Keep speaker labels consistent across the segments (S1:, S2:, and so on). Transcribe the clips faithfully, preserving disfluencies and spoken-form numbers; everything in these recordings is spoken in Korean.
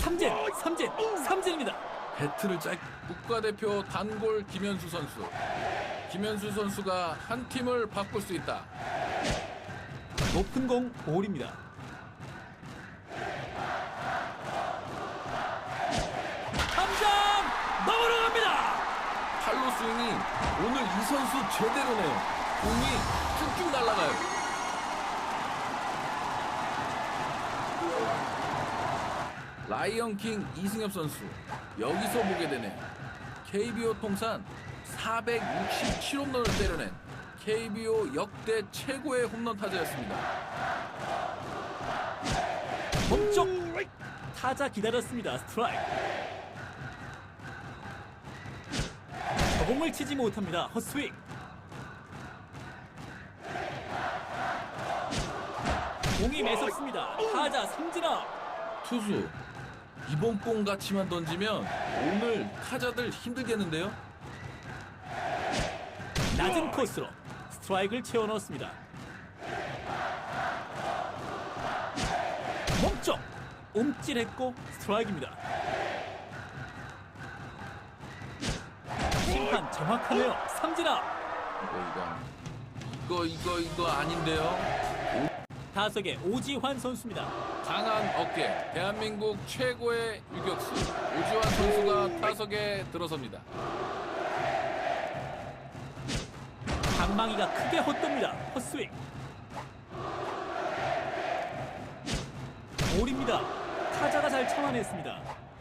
S1: 삼진, 삼진, 삼진입니다.
S2: 배트를 짧 국가대표 단골 김현수 선수. 김현수 선수가 한 팀을 바꿀 수 있다.
S1: 높은 공 볼입니다. 탐장 넘어갑니다.
S2: 팔로 스윙이 오늘 이 선수 제대로네요. 공이 쭉쭉 날아가요. 라이언킹 이승엽 선수 여기서 보게 되네요. 케이비오 통산 사백육십칠 홈런을 때려낸 케이비오 역대 최고의 홈런 타자였습니다.
S1: 멈쩍 타자 기다렸습니다. 스트라이크. 공을 치지 못합니다. 헛스윙. 공이 매섭습니다. 타자 삼진아.
S2: 투수 이번 공 같이만 던지면 오늘 타자들 힘들겠는데요.
S1: 낮은 코스로 스트라이크를 채워 넣었습니다. 멈쩍 움찔했고 스트라이크입니다. 심판 정확하네요. 삼진아.
S2: 이거 이거 이거 이거 아닌데요.
S1: 타석의 오지환 선수입니다.
S2: 강한 어깨, 대한민국 최고의 유격수 오지환 선수가 타석에 들어섭니다.
S1: 방망이가 크게 헛돕니다. 헛스윙. 볼입니다. 타자가 잘 참아냈습니다.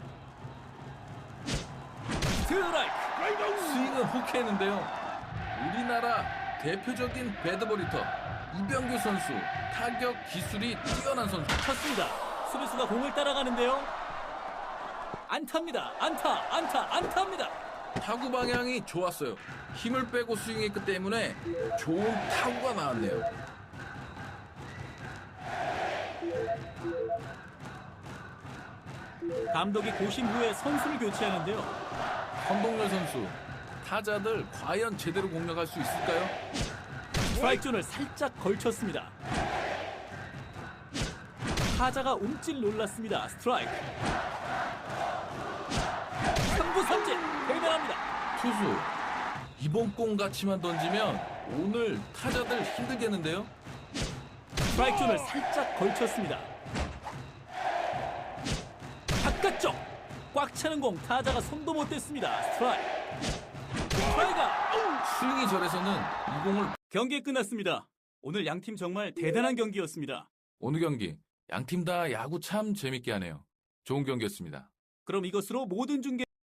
S1: 스트라이크.
S2: 스윙은 호쾌했는데요. 우리나라 대표적인 배드볼 히터 이병규 선수 타격 기술이 뛰어난 선수.
S1: 쳤습니다. 수비수가 공을 따라가는데요. 안타입니다. 안타, 안타, 안타입니다.
S2: 타구 방향이 좋았어요. 힘을 빼고 스윙했기 때문에 좋은 타구가 나왔네요.
S1: 감독이 고심 후에 선수를 교체하는데요.
S2: 선동열 선수, 타자들 과연 제대로 공략할 수 있을까요?
S1: 스트라이크 존을 살짝 걸쳤습니다. 타자가 움찔 놀랐습니다. 스트라이크. 삼구 삼진 대단합니다.
S2: 투수, 이번 공 같이만 던지면 오늘 타자들 힘들겠는데요?
S1: 스트라이크 존을 살짝 걸쳤습니다. 바깥쪽 꽉 차는 공 타자가 손도 못 댔습니다. 스트라이크. 스트라이크.
S2: 스윙이 저래서는 이 공을.
S1: 경기 끝났습니다. 오늘 양팀 정말 대단한 경기였습니다.
S2: 오늘 경기 양팀 다 야구 참 재밌게 하네요. 좋은 경기였습니다.
S1: 그럼 이것으로 모든 중계